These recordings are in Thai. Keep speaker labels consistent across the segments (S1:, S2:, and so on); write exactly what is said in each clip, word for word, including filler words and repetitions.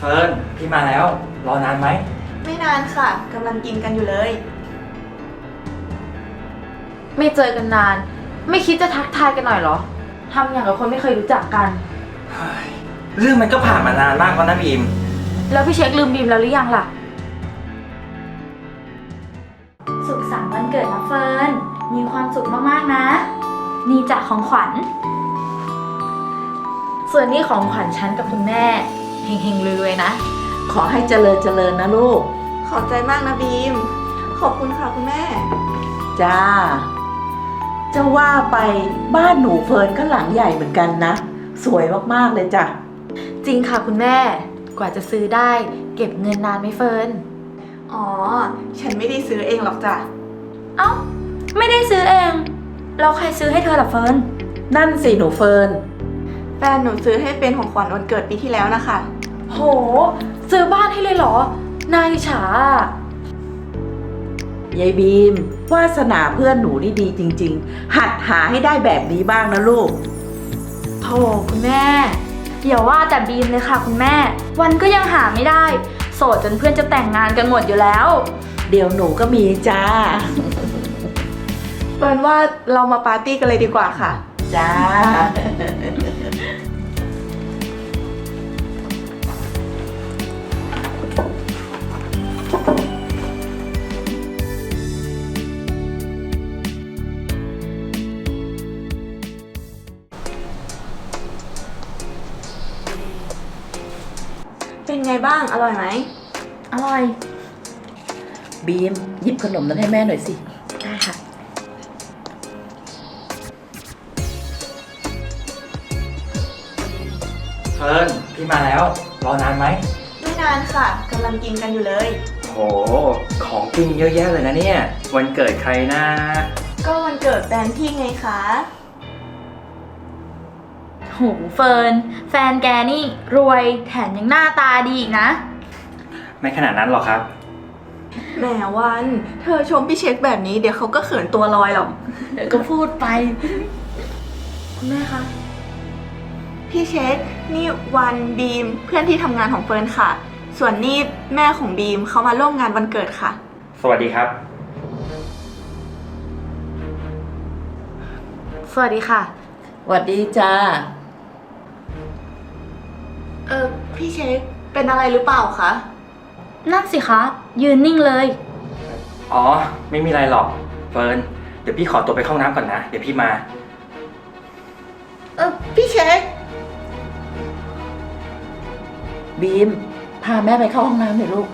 S1: ฟิร์นพี่มาแล้วรอนานไหม
S2: ไม่นานค่ะกำลังกินกันอยู่เลย
S3: ไม่เจอกันนานไม่คิดจะทักทายกันหน่อยเหรอทำอย่างกับคนไม่เคยรู้จักกัน
S1: เรื่องมันก็ผ่านมานานมากแล้วนะบีม
S3: แล้วพี่เช็คลืมบีมแล้วหรือยังล่ะ
S4: สุขสันต์วันเกิดนะเฟิร์นมีความสุขมากๆนะนี่จากของขวัญ
S3: ส่วนนี้ของขวัญฉันกับคุณแม่เฮงๆรวยๆนะ
S5: ขอให้เจริญเจริญนะลูก
S2: ขอบใจมากนะบีมขอบคุณค่ะคุณแม่
S5: จ้าจะว่าไปบ้านหนูเฟิร์นก็หลังใหญ่เหมือนกันนะสวยมากๆเลยจ้ะ
S3: จริงค่ะคุณแม่กว่าจะซื้อได้เก็บเงินนานไหมเฟิร์น
S2: อ๋อฉันไม่ได้ซื้อเองหรอกจ้ะ
S4: เอ้าไม่ได้ซื้อเองแล้วใครซื้อให้เธอล่ะเฟิร์น
S5: นั่นสิหนูเฟิร์น
S2: แฟนหนูซื้อให้เป็นของขวัญวันเกิดปีที่แล้วนะคะ
S3: โหซื้อบ้านให้เลยเหรอน่าอิจฉ
S5: ายายบีมวาสนาเพื่อนหนูนี่ดีจริงๆหัดหาให้ได้แบบนี้บ้างนะลูก
S3: โธ่คุณแม่
S4: อย่าว่าแต่บีมเลยค่ะคุณแม่วันก็ยังหาไม่ได้โสดจนเพื่อนจะแต่งงานกันหมดอยู่แล้ว
S5: เดี๋ยวหนูก็มีจ้า
S2: เฟิร์นว่าเรามาปาร์ตี้กันเลยดีกว่าค่ะ
S5: จ้า
S2: เป็นไงบ้างอร่อยไหม
S4: อร่อย
S5: บีมหยิบขนมนั้นให้แม่หน่อยสิ
S4: ได้ค่ะ
S1: เฟิร์นพี่มาแล้วรอนานไหม
S2: ไม่นานค่ะกำลังกินกันอยู่เลย
S1: โหของกินเยอะแยะเลยนะเนี่ยวันเกิดใครนะ
S2: ก็วันเกิดแฟนพี่ไงคะ
S4: โหเฟิร์นแฟนแกนี่รวยแถมยังหน้าตาดีอีกนะ
S1: ไม่ขนาดนั้นหรอกครับ
S2: แหมวันเธอชมพี่เช็คแบบนี้เดี๋ยวเขาก็เขินตัวลอยหรอก
S4: เดี๋ยวก็พูดไป
S3: คุณแม่คะ
S2: พี่เช็คนี่วันบีมเพื่อนที่ทำงานของเฟิร์นค่ะส่วนนี่แม่ของบีมเขามาร่วมงานวันเกิดค่ะ
S1: สวัสดีครับ
S3: สวัสดีค่ะ
S5: สวัสดีจ้า
S2: เออพี่เช็คเป็นอะไรหรือเปล่าคะ
S4: นั่นสิคะยืนนิ่งเลย
S1: อ๋อไม่มีอะไรหรอกเฟิร์นเดี๋ยวพี่ขอตัวไปเข้าน้ำก่อนนะเดี๋ยวพี่มา
S2: เออพี่เช็ค
S5: บีมพาแม่ไปเข้าห้องน้ำหน่อยลูก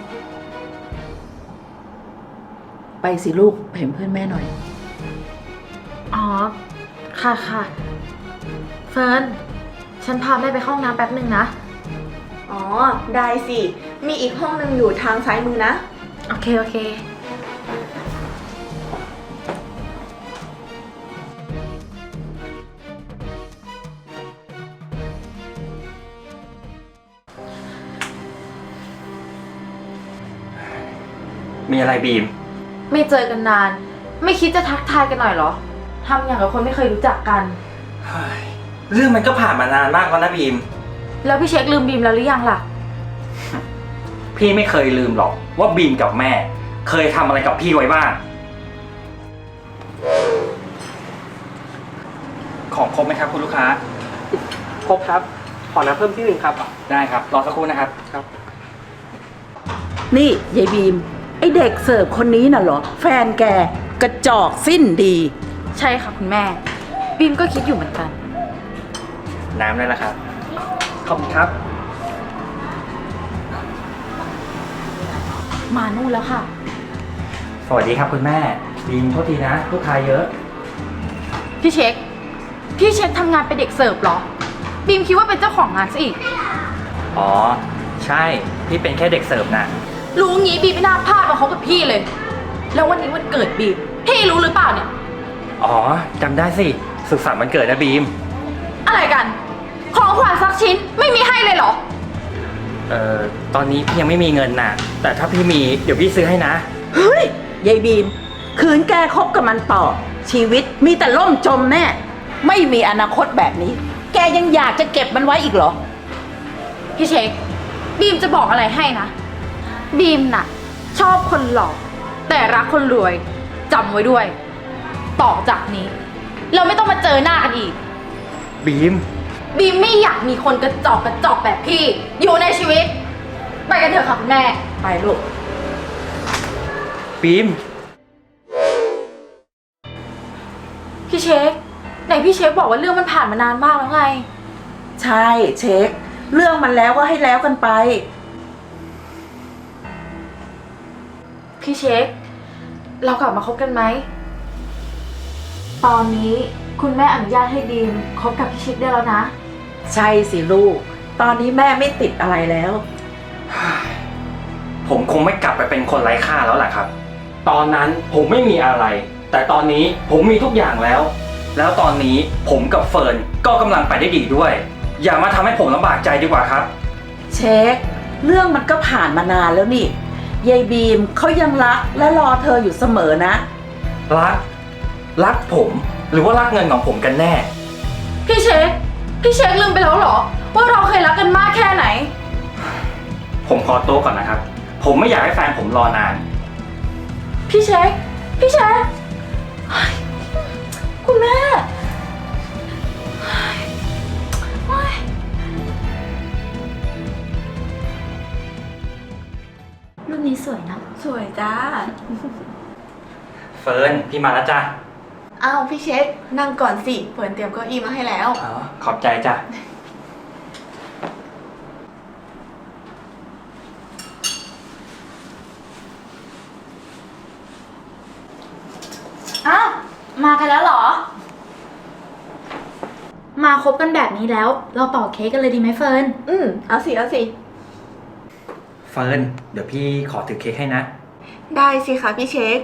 S5: ไปสิลูกเห็นเพื่อนแม่หน่อย
S3: อ๋อค่ะค่ะเฟิร์นฉันพาแม่ไปเข้าห้องน้ำแป๊บหนึ่งนะ
S2: อ๋อได้สิมีอีกห้องนึงอยู่ทางซ้ายมือนะ
S3: โอเคโอเค
S1: มีอะไรบีม
S3: ไม่เจอกันนานไม่คิดจะทักทายกันหน่อยเหรอทำอย่างกับคนไม่เคยรู้จักกัน
S1: เรื่องมันก็ผ่านมานานมากแล้วนะบีม
S3: แล้วพี่เช็คลืมบีมแล้วหรือยังล่ะ
S1: พี่ไม่เคยลืมหรอกว่าบีมกับแม่เคยทำอะไรกับพี่ไว้บ้างของครบไหมครับคุณลูกค้า
S6: ครบครับขอน้ำเพิ่มที่หนึ่งครับ
S1: ได้ครับรอสักครู่นะครับ
S6: ครับ
S5: นี่ยายบีมไอเด็กเสิร์ฟคนนี้น่ะเหรอแฟนแกกระจอกสิ้นดี
S3: ใช่ค่ะคุณแม่บีมก็คิดอยู่เหมือนกัน
S1: น้ำได้แล้วครับ
S6: ขอบคุณครับ
S3: มานู่นแล้วค่ะ
S1: สวัสดีครับคุณแม่บีมโทษทีนะลูกค้าเยอะ
S3: พี่เช็คพี่เช็คทำงานเป็นเด็กเสิร์ฟเหรอบีมคิดว่าเป็นเจ้าของงานซะอีก
S1: อ๋อใช่พี่เป็นแค่เด็กเสิร์ฟนะ
S3: รู้งี้บีมไม่น่าพลาดมาเขากับพี่เลยแล้ววันนี้วันเกิดบีมพี่รู้หรือเปล่าเนี่ย
S1: อ๋อจำได้สิสุขสันต์วันเกิดนะบีม
S3: อะไรกันของขวัญสักชิ้นไม่มีให้เลยเหรอ
S1: เอ่อตอนนี้พี่ยังไม่มีเงินน่ะแต่ถ้าพี่มีเดี๋ยวพี่ซื้อให้นะ
S5: เฮ้ยยายบีมคืนแกคบกับมันต่อชีวิตมีแต่ล่มจมแน่ไม่มีอนาคตแบบนี้แกยังอยากจะเก็บมันไว้อีกเหรอ
S3: พี่เช็ค
S4: บีมจะบอกอะไรให้นะ บีมน่ะ ชอบคนหล่อแต่รักคนรวยจำไว้ด้วย ต่อจากนี้ เราไม่ต้องมาเจอหน้ากันอีก
S1: บีม
S4: บีมไม่อยากมีคนกระจอกกระจอกแบบพี่ อยู่ในชีวิต ไปกันเถอะค่ะคุณแม่
S5: ไปลูก
S1: บีม
S3: พี่เช็คไหนพี่เช็คบอกว่าเรื่องมันผ่านมานานมากแล้วไง
S5: ใช่เช็ค เรื่องมันแล้วก็ให้แล้วกันไป
S3: พี่เช็ค เรากลับมาคบกันไหม ตอนนี้คุณแม่อนุญาตให้ดีมคบกับพี่เช็คได้แล้วนะ
S5: ใช่สิลูก ตอนนี้แม่ไม่ติดอะไรแล้ว
S1: ผมคงไม่กลับไปเป็นคนไร้ค่าแล้วแหละครับ ตอนนั้นผมไม่มีอะไร แต่ตอนนี้ผมมีทุกอย่างแล้ว แล้วตอนนี้ผมกับเฟิร์นก็กำลังไปได้ดีด้วย อย่ามาทำให้ผมลำบากใจดีกว่าครับ
S5: เช็ค เรื่องมันก็ผ่านมานานแล้วนี่ยายบีมเขายังรักและรอเธออยู่เสมอนะ
S1: รัก รักผม หรือว่ารักเงินของผมกันแน่
S4: พี่เช็ค พี่เช็คลืมไปแล้วเหรอ ว่าเราเคยรักกันมากแค่ไหน
S1: ผมขอตัวก่อนนะครับ ผมไม่อยากให้แฟนผมรอนาน
S3: พี่เช็ค พี่เช็คเฮ้ยคุณแม่เฮ้ยเฮ้ย
S4: รูปนี้สวยนะ
S2: สวยจ้า
S1: เฟิร์นพี่มาแล้วจ้ะ
S2: อ้าวพี่เช็ค นั่งก่อนสิเฟิร์นเตรียมเก้าอี้มาให้แล้ว
S1: อ๋อขอบใจจ้ะ
S4: อ้าว มากันแล้วเหรอ มาคบกันแบบนี้แล้ว เราเป่าเค้กกันเลยดีไหมเฟิร์น
S2: อืมเอาสิเอาสิ
S1: เฟิร์นเดี๋ยวพี่ขอถือเค้กให้นะ
S2: ได้สิคะพี่เช็ค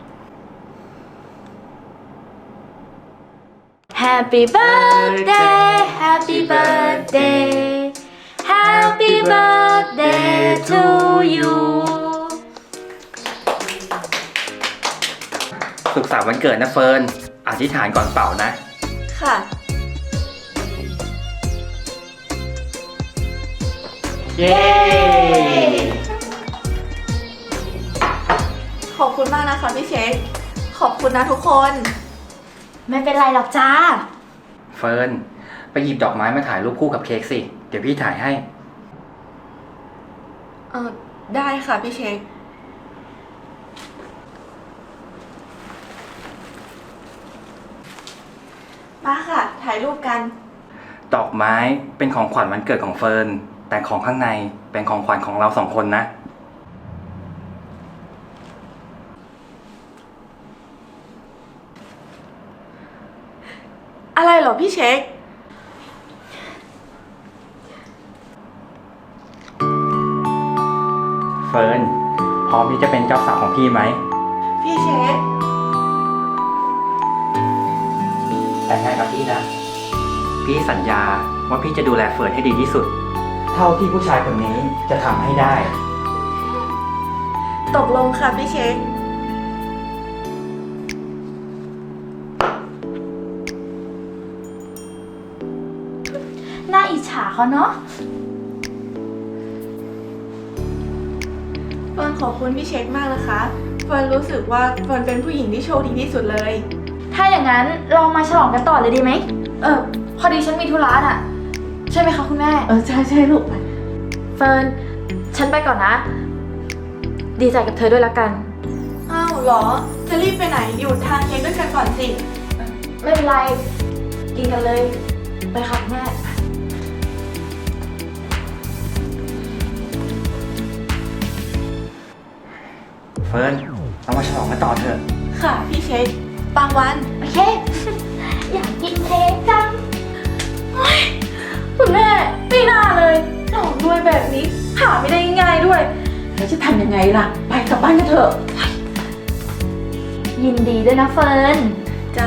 S4: Happy birthday Happy birthday Happy birthday to you
S1: สุขสันต์วันเกิดนะเฟิร์น อธิษฐานก่อนเป่านะ
S2: ค่ะ
S1: เย้
S2: ขอบคุณมากนะคะพี่เช็ค ขอบคุณนะทุกคน
S4: ไม่เป็นไรหรอกจ้า
S1: เฟิร์นไปหยิบดอกไม้มาถ่ายรูปคู่กับเค้กสิ เดี๋ยวพี่ถ่ายให้
S2: เออได้ค่ะพี่เช็ค มาค่ะ ถ่ายรูปกัน
S1: ดอกไม้เป็นของขวัญวันเกิดของเฟิร์น แต่ของข้างในเป็นของขวัญของเราสองคนนะ
S2: อะไรเหรอพี่เช็ค
S1: เฟิร์นพร้อมที่จะเป็นเจ้าสาวของพี่ไหม
S2: พี่เช็ค
S1: แต่งงานกับพี่นะ พี่สัญญาว่าพี่จะดูแลเฟิร์นให้ดีที่สุด เท่าที่ผู้ชายคนนี้จะทำให้ได้
S2: ตกลงค่ะพี่เช็ค
S4: น่าอิจฉาเขาเนาะ
S2: เฟิร์นขอบคุณพี่เช็คมากนะคะ เฟิร์นรู้สึกว่าเฟิร์นเป็นผู้หญิงที่โชคดีที่สุดเลย
S4: ถ้าอย่างนั้นเรามาฉลองกันต่อเลยดีไหม
S3: เออพอดีฉันมีธุระน่ะ ใช่ไหมคะคุณแม่
S5: เออใช่ใช่ลูกไป
S3: เฟิร์น ฉันไปก่อนนะ ดีใจกับเธอด้วยละกัน
S2: อ้าวเหรอ จะรีบไปไหน อยู่ทานเค้กด้วยกันก่อนสิ
S3: ไม่เป็นไร กินกันเลย ไปค่ะคุณแม่
S1: เฟิร์นเรามาฉลองกันต่อเถอะ
S2: ค่ะพี่เช็คบางวัน
S4: โอเค อยากกินเค้กจัง
S3: คุณแม่ไม่น่าเลยหลอกด้วยแบบนี้ หาไม่ได้ง่ายๆด้วย
S5: แล้วจะทำยังไงล่ะ ไปกลับบ้านกันเถอะ
S4: ยินดีด้วยนะเฟิร์น
S2: จ้า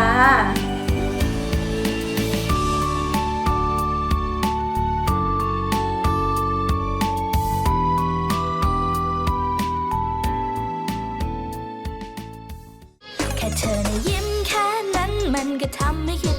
S7: แค่เธอนะยิ้มแค่นั้นมันก็ทำให้คิด